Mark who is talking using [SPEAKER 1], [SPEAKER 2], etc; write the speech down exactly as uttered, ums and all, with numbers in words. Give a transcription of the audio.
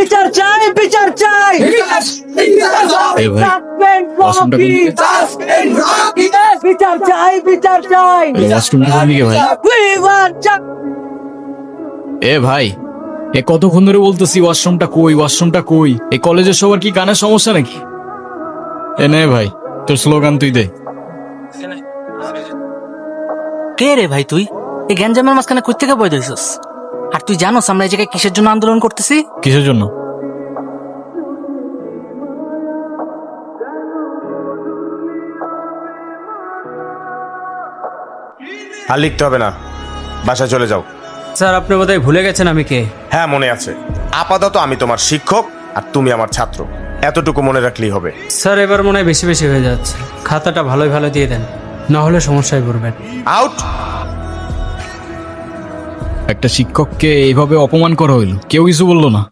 [SPEAKER 1] বিচার চাই বিচার চাই
[SPEAKER 2] এ ভাই
[SPEAKER 1] Suspend
[SPEAKER 2] ওয়াশরুমটা
[SPEAKER 1] Rocky! বিচার চাই বিচার চাই
[SPEAKER 2] এই ওয়াশরুমটা কোন দিকে ভাই?
[SPEAKER 1] We want ju-
[SPEAKER 2] এ ভাই এ কতক্ষণ ধরে বলতেছি ওয়াশরুমটা কই ওয়াশরুমটা কই? এই কলেজের সবার কি কানের সমস্যা নাকি? এ নে ভাই তোর স্লোগান তুই দে।
[SPEAKER 3] কে রে ভাই তুই এই গ্যাঞ্জামের মাঝখানে কই থেকে বই দিছিস? আর তুই জানোস আমরা এই জায়গায় কিসের জন্য আন্দোলন করতেছি?
[SPEAKER 2] কিসের জন্য?
[SPEAKER 4] আর লিখতে হবে না, বাসায় চলে যাও।
[SPEAKER 5] স্যার আপনি বোধহয় ভুলে গেছেন আমি কে।
[SPEAKER 4] হ্যাঁ মনে আছে, আপাতত আমি তোমার শিক্ষক আর তুমি আমার ছাত্র, এতটুকু মনে রাখলেই হবে।
[SPEAKER 5] স্যার এবার মনে হয় বেশি বেশি হয়ে যাচ্ছে, খাতাটা ভালোই ভালো দিয়ে দেন, না হলে সমস্যায় পড়বেন।
[SPEAKER 4] আউট।
[SPEAKER 2] একটা শিক্ষককে এইভাবে অপমান করা হইলো, কেউ কিছু বললো না।